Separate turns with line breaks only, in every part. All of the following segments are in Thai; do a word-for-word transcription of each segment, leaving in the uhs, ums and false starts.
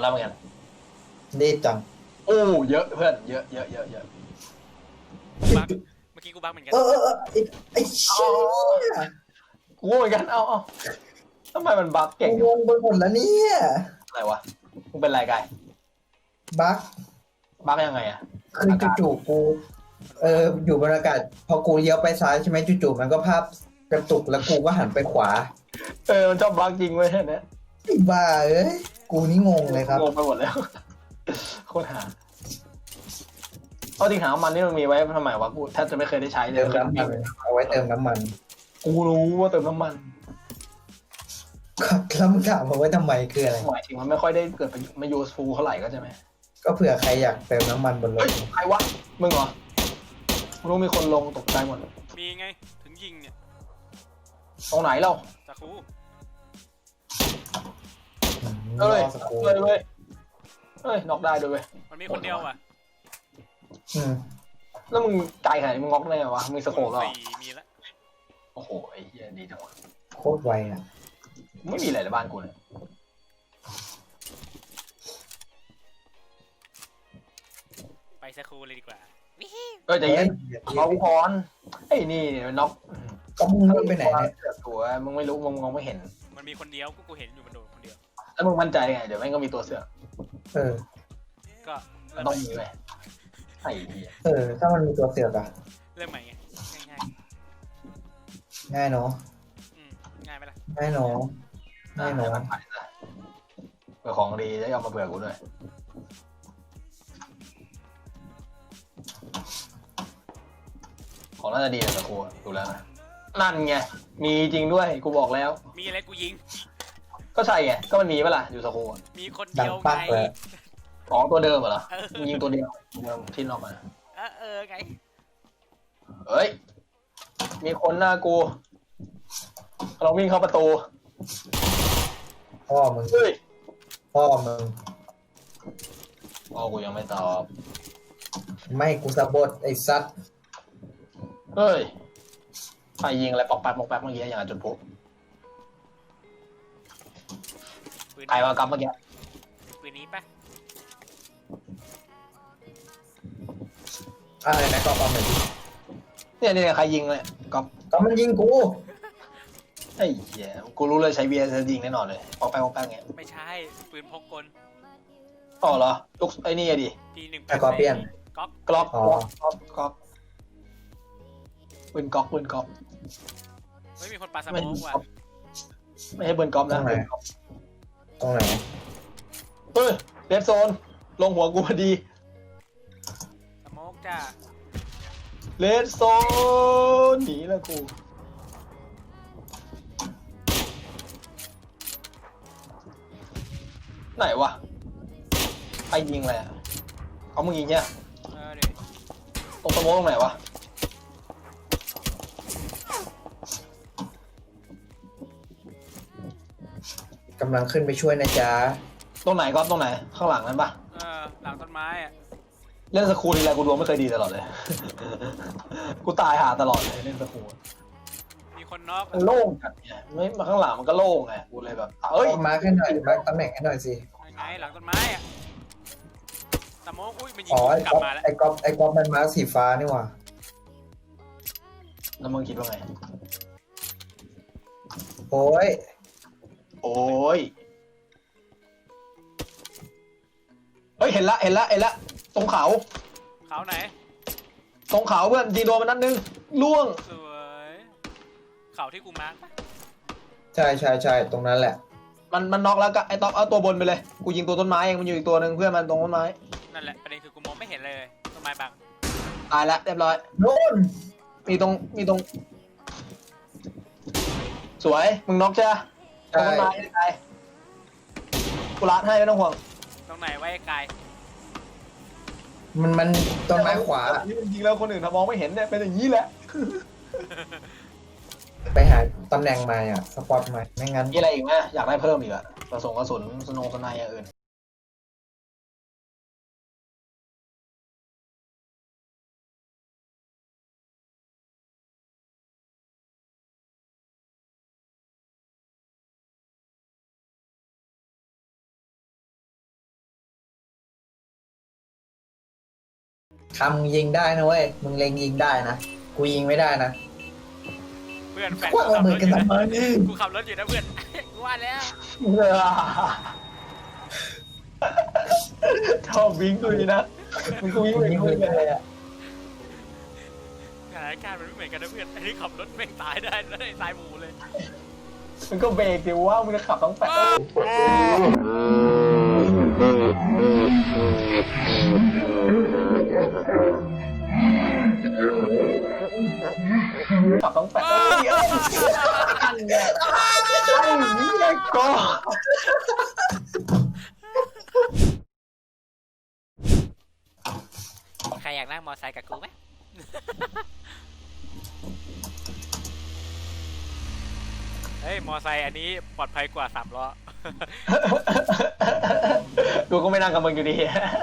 แล้วเหมือนกัน
รีบจัง
โอ้เยอะเพื่อนเยอะเยอะเยอะเยอะ
กูบักเมื่อกี้กูบักเหมือนกัน
เออเออเออไอ้ไอ้
อ๋
เชี่
อ
ย
กูเหมือนกันเอาเอาทำไมมันบั๊ก
กู
เก่งจัง
งงไปหมดแล้วเนี่ย
อะไรวะมึงเป็นไรกาย
บั๊ก
บั๊กยังไงอะ
คือ
อากาศ
จู่ๆกูเอออยู่บนอากาศพอกูเลี้ยวไปซ้ายใช่ไหมจู่ๆมันก็ภาพกระตุกแล้วกูก็หันไปขวา
เออมันชอบบั๊กจริงเว้ยเนี่ย
ไอ้บ้าเอ้ยกูนี่งงเลยครับ
งงไปหมดแล้วโคตรหาเอาจริงถามมันนี่มันมีไว้ทำไมวะกูแทบจะไม่เคยได้ใช้เล
เติ
ย
มน้ำมันเอาไว้เติมน้ำมัน
กูรู้ว่าเติมน้ำมัน
แล้วมึงถามมาไว้ทำไมคืออะไร
หมายถึงมันไม่ค่อยได้เกิดประโยชน์มายูสฟูลเท่าไหร่ก็ใช่ไหม
ก็เผื่อใครอยากเติมน้ำมันบนรถ
ใครวะมึงเหรอกูรู้มีคนลงตกใจหมด
มีไงถึงยิงเนี่ย
ตรงไหนเรา
จากครู
เอ้ย
รอสักครู่
เอ้ยเว้ยเอ้ยน็อกได้ด้วยเว้ย
มันมีคนเดียวอ่ะ
อืม
แล้วมึงไกลขนาดนี้มึงน็อกได้ไงวะมึงสโคปเหรอ
สี่มีแล้ว
โอ้โหไอ้เหี้ยดีจังวะ
โคตรไวอ่ะ
ไม่มีอะไรในบ้านกูเลย
ไปสักครูเลยดีกว่าวิฮิ
เอ้ยใจเย็นเอากูพรไอ้นี่น็อก
ก็มึงเลื่อนไปไหนเนี่ย
เสือกตัวมึงไม่รู้มึงมองไม่เห็น
มันมีคนเดียวกูกูเห็นอยู่มันโดนคนเดียว
แล้วมึงมั่นใจไงเดี๋ยวแม่งก็มีตัวเสือก
เออ
ก็
มั
เริ่
น
ม
ต้อง
ใหม่
มีเลยไอ้เหี้ย
เออ ถ้ามันมีตัวเสือกอะ
เริ่มใหม่ไงง่าย
ง่ายเนาะ
ๆอืมง่ายไหมล่ะ
ง่ายเนาะง่ายเนาะ
มันไปซะเผื่อของดีจะยอมมาเผื่อกูด้วยของน่าจะดีนะสกูดูแล้วนะนั่นไงมีจริงด้วยกูบอกแล้ว
มีอะไรกูยิง
ก็ใช่ไงก็มันมีเปะล่าอยู่สกู
มีคน
ดั
เดี
ง
ยว
ปัก
ไง
เลย
ของตัวเดิมเหรอ
เออ
มึงยิงตัวเดียวเดิมที่นอกมา
เออเออไง
เฮ้ยมีคนหน้ากูเราวิ่งเข้าประตู
พ่อมึง
เฮ้ย
พ่อมึง
อ๋อกูยังไม่ตอบ
ไม่กูสะบดไอ้ซัด
เฮ้ยใครยิงอะไรปอกแป๊กปอกแป๊กเมื่อกี้อย่างกับจุดพลุ
ปืน
ใครวะกับเมื่อกี้
ปืนนี้ปะ
อะไรนะก็ปั๊มหน่อยดิ
เนี่ยเนี่ยใครยิงเลยก๊อฟ
ก็มันยิงกู
ไอ้เหี้ยกูรู้เลยใช้เบียร์จะยิงแน่นอนเลยปอกแป๊กปอกแป๊กเงี้ย
ไม่ใช่ปืนพกกล
อ๋อเหรอลูกไอ้นี่อะดิ
ปีหนึ่ง
แต่ก็เปลี่ยน
ก๊อก
กล็อก
อ๋อ
กล็อกกล็อกปืนก๊อกปืนก๊อก
ไม่มีคนปาสโม
ไม่
กว่ะ
ไม่ใช่ปืนก๊อกนะปืนก๊อก
ตรงไหน
เฮ้ยเรดโซนลงหัวกูพอดี
สโมกจ้า
เรดโซนหนีแล้วกูไหนวะใครยิงอะไรอ่ะเขามึงยิงเนี่ย
เออเดี๋ยว
ตรงสโมองตรงไหนวะ
กำลังขึ้นไปช่วยนะจ๊ะ
ตรงไหนก๊อฟตรงไหนข้างหลังนั้นปะ
เออหลังต้นไม้อ่ะ
เล่นสครูทีไรกูดวงไม่เคยดีตลอดเลย กูตายหาตลอดเลยเล่นสครู
มีคนน็อก
มันโล่งจัดเนี่ยไม่มาข้างหลังมันก็โล่งไงกูเลยแบบเอ้ย
มาร์คให้หน่อยมาร์คตำแหน่งให้หน่อยสิ
ยังไงหลังต้นไม้อ่ะสโมกอุ้ยมันยิง
อ๋อไอ้
กลั
ก๊
บ
อฟ
มาแล้ว
ไอ้ก๊อฟไอ้ก๊อฟมันมาร์คสีฟ้านี่หว่า
แล้วมึงคิดว่าไง
โอ้ย
โอ้ยเฮ้ยเห็นละเห็นละเห็นละตรงเขา
เขาไหน
ตรงเขาเพื่อนยิงโดนมันนัดนึงล่วง
สวยเขาที่กูมาร์กปะ
ใช่ใช่ใช่ตรงนั้นแหละ
มันมันน็อกแล้วก็ไอ้ต๊อกเอาตัวบนไปเลยกูยิงตัวต้นไม้เองมันอยู่อีกตัวหนึ่งเพื่อนมันตรงต้นไม้
นั่นแหละประเด็นคือกูมองไม่เห็นเลยต้นไม้บัง
ตายแล้วเรียบร้อย
โน่น
มีตรงมีตรง สวยมึงน็อกใช่ไหมตรงต้นไม้ตายกูรัดให้ไม่ต้องห่วง
ตรงไหนไว้ไกล
มันมันต้นไม้ขวา
นี่มันยิงแล้วคนอื่นทำมองไม่เห็นเนี่ยเป็นอย่างนี้แหละ
ไปหาตำแหน่งใหม่อ่ะ สปอตใหม่ ไม่งั้น
มีอะไรอีกไหมอยากได้เพิ่มอีกอะกระสุนกระสุนสนงสนายอย่างอื่น
คำยิงได้นะเว้ยมึงเล็งยิงได้นะกูยิงไม่ได้นะ
เพื่อนแฟน
คว้างระเบิดกันทำไม
กูขับรถอยู่นะเพื่อนกูว่าแล้ว
เออชอบวิ่งกูนี่นะมึงก็วิ่งไป
ยิง
คุย
ไม่
กัน
ได้อะ
สถานการณ์มันไม่เหมือนกันนะเพื่อนไอ้ที่ขับรถแม่งตายได้แล้วไอ้ตายหมู่เลย
มึงก็เบรกดิว่ามึงจะขับต้องแปะขับต้องแปะเยอะอันเนี่ยไอ้เนี่ยก็
ใครอยากนั่งมอไซค์กับกูไหมเฮ้ยมอไซค์อันนี้ปลอดภัยกว่าสามล้อ
กูก็ไม่นั่งกับมึงอยู่ดี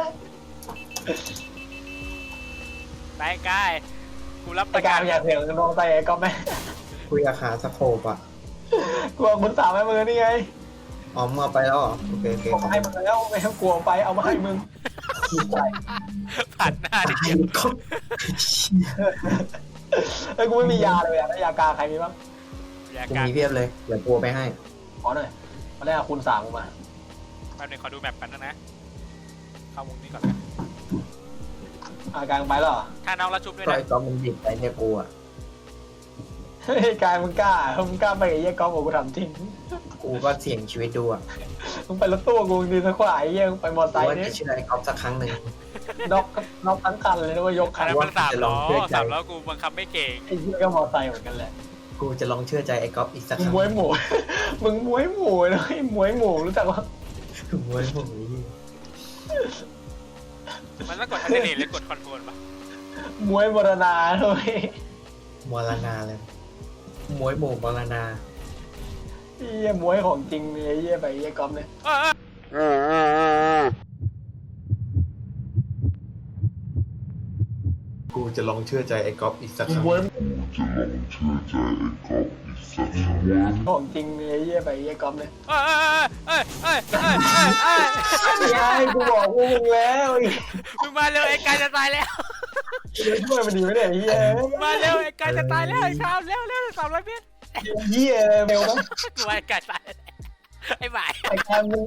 ไปกายกูรับป
แต่
ระ
กา
กั
ร
น
อยากเสียงน้องใจก็ไม่
กูอยากหาสโคปอ่ะ
กลัวคุณสาวแม่มือนี่ไง
อ๋อมึงเอาไปแล้วเหรอโอเคโอเค
เอา
ขอบ
มาให้มึงแล้วไม่ให้กลัวไปเอามาให้มึง
ผ่านหน้าดิเดียว
คุณ
เฮ้ยกูไม่มียาเลยอะแล้วยากาใครมีบ้าง
อยาก
กู
การ
มีเพียบเลยเดี๋ยวกูเอาไปให้
ขอหน่อยมาแรกคุณสามกูมา
แป๊บนึงขอดูแมปกันนะนะเข้าวงนี้ก่อนนะ
อากางไปแล้วเหรอ
ถ้าน้องรับชุบด้วย
ก็
นะ
ไอ้ก๊อฟมันดิบไปเนี่ยกูอ่ะ
เฮ้ยกายมึงกล้ามึงกล้าไปกับไอ้เหี้ยก๊อฟบอกกูทำจริง
กูก็เสี่ยงชีวิตดูอ่ะ
มึงไปรถตู้กูดีสักกว่าไอ้เหี้ยมึงไปมอเตอร์ไซ
กู
ค์
ว่า
นี่
จะเชื่อไอ้ก๊อฟสักครั้งหนึ่ง
น็อกน็อกทั้งคันเลยนะว่ายก
อั
คั
น
น
นั้นมันสามล้อ
จะลองเชื่อใจ
สามล้อกูบังคับไม่เก่ง
ไอ้เหี้ยก็มอเตอร์ไซค์เหมือนกันแหละ
กูจะลองเชื่อใจไอ้ก๊อฟอีกสักค
มึง
รั้ง
มวยหมู มึงมวยหมูนะไอ้มวยหมูรู้จักว่า
มวยผมนี้
มันต้องกดอันเดอร์เนทหรือกดคอนโทรลปะ
มวยมรณาเลย
มรณาเลยมวยหมู่มรณา
ไอ้เหี้ยมวยของจริงเลยไอ้เหี้ยไปไอ้เหี้ยก๊อฟเนี่ย
เออเออ
กูจะลองเชื่อใจไอ้ก๊อฟอีกสักครั้ง
มวยของจริงเลยไอ้เหี้ยไปไอ้เหี้ยก๊อฟเนี่ย
เออเออเออเออเออเออ
ไอ้กูบอกพวกมึงแล้วไอ้
มึงมาเร็วไอ้กายจะตายแล้ว
เหี้ยช่วยมันดีไหมเนี่ยไอ้เหี้ย
มาเร็วไอ้กายจะตายแล้วไอ้ชาวเร็วเร็วสามร้อยเมตร
เหี้ยเร็วมั้ง
กูว่าไอ้กายตายไอ้บ่าย
ไอ้การมึง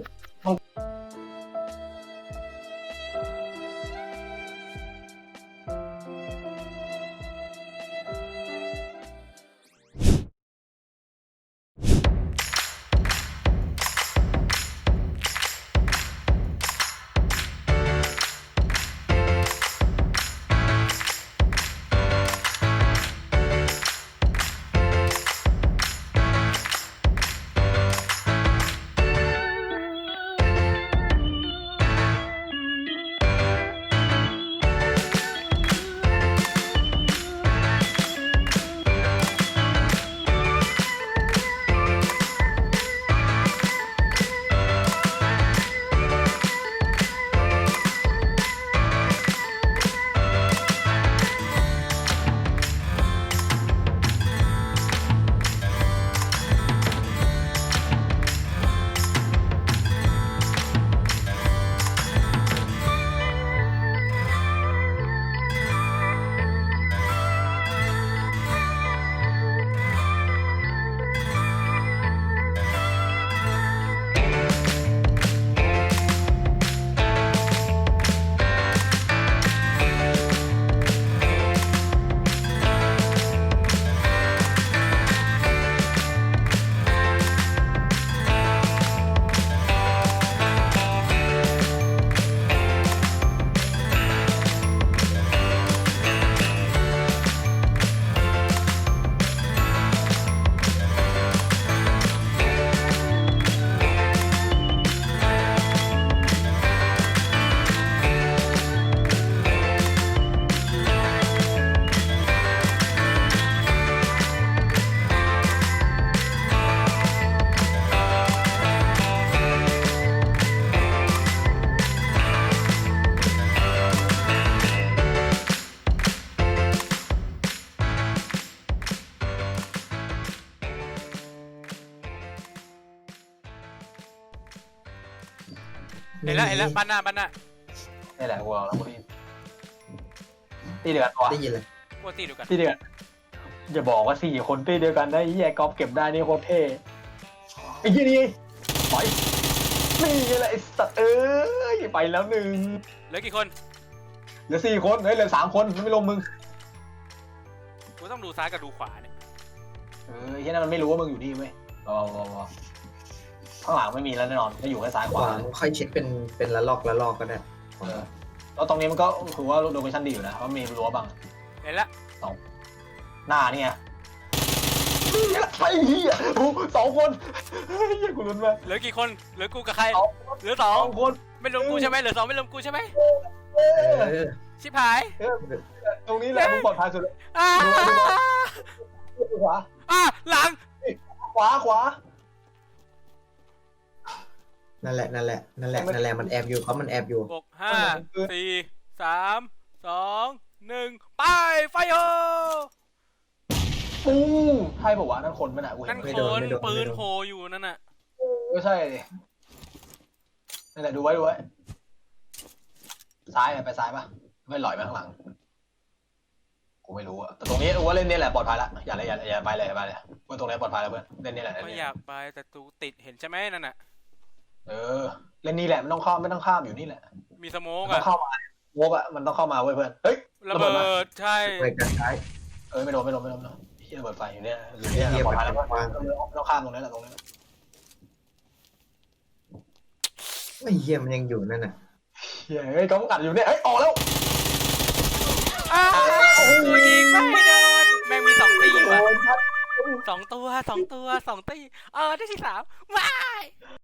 เห็นแล้วเห็นแล้วบ้านหน้าบ้านหน้า
นี่แหละกูเอาแล้วกูรีบตีเดียวกันวะ
ได้ยินเลย
กลัวตีเดียวกัน
ตีเดียวกันอย่าบอกว่าสี่คนตีเดียวกันได้ไอ้เหี้ยก๊อฟเก็บได้นี่โคตรเท่ไอ้เหี้ยนี่ปล่อยนี่ไงแหละไอ้สัตว์เอ้ยไปแล้วหนึ่ง
เหลือกี่คน
เหลือสี่คนเฮ้ยเหลือสามคนไม่ลงมึง
กูต้องดูซ้ายกับดูขวาเนี่ย
เออไอ้เหี้ยนั่นมันไม่รู้ว่ามึงอยู่นี่เว้ยรอรอรอข้างหลังไม่มีแล้วแน่นอนก็อยู่แค่ซ้ายข
ขวาว
า
ค่อยเช็คเป็นเป็นละลอกละลอกก็ได้
เออแล้วตรงนี้มันก็ถือว่าโลเคชั่นดีอยู่นะเพราะมีรั้วบัง
เห็นละ
หน้านี่ไงไอ้เหี้ยโอ้สองคนเฮ้ยเหี้ยกูลุ้นมาก
เหลือกี่คนเหลือกูกับใคร
สอง
เหลือส
ส
อ
อง งคน
ไม่รวมกูใช่ไหมเหลือสองไม่รวมกูใช่ไหม
เอ
เอ
อ
อ
ชิบหาย
ตรงนี้แหละมึงปลอดภัยสุดเลย
อ่า
ขวา
อ่าหลัง
ขวาขวา
นั่นแหละนั่นแหละนั่นแหละนั่นแหละมันแอบอยู่เขามันแอบอยู่
หกห้าสี่สามสองหนึ่งไปไฟโฮ
ปุ้งใช่ป่าวะนั่นคนไม่หนากูเห็
นั่
น
น
ไม่
ค
โดน
น
ไม่โดน
ปืนโผล่อยู่นั่นน่ะ
ไม่ใช่ดินั่นแหละดูไว้ดูไว้ซ้ายไปซ้ายป่ะไม่หลอยไปข้างหลังกูไม่รู้อะแต่ตรงนี้กูว่าเล่นนี่แหละปลอดภัยละอย่าเลยอย่าอย่าไปเลยอย่าไปเลยเพื่อนตรงนี้ปลอดภัยแล้วเพื่อนเล่นนี่แหละเล่น
ไม่
นี่
อยากไปแต่ตูติดเห็นใช่ไหมนั่นน่ะ
เออเล่นนี่แหละไม่ต้องข้ามไม่ต้องข้ามอยู่นี่แหละ
มีสโมก
มันต้อ
อะ
งเข้ามาโวบอะมันต้องเข้ามาเว้ยเพื่อนเฮ้ย
ระเบิดใช่
ไปกันซ้าย
เออไม่โดนไม่โดนไม่โดนไม่โดนที่ระเบิดไฟอยู่เนี่ยอยู่เนี่ย
เหี้ย
ปลอดภัยแล้ว
มันวาง
ไม่ต้องข้ามตรงนี้แหละตรงนี้
ไอ้เหี้ยมันยังอยู่นั่นน่ะ
เฮ้ยกำกัดอยู่เนี่ยเฮ้ยออกแล้ว
อ้าวกูยิงไม่โดนแม่งมีสองตี
โอ้
ว่ะ
ยครับ
สองตัวสองตัวสองตีเออได้ที่สามว้าย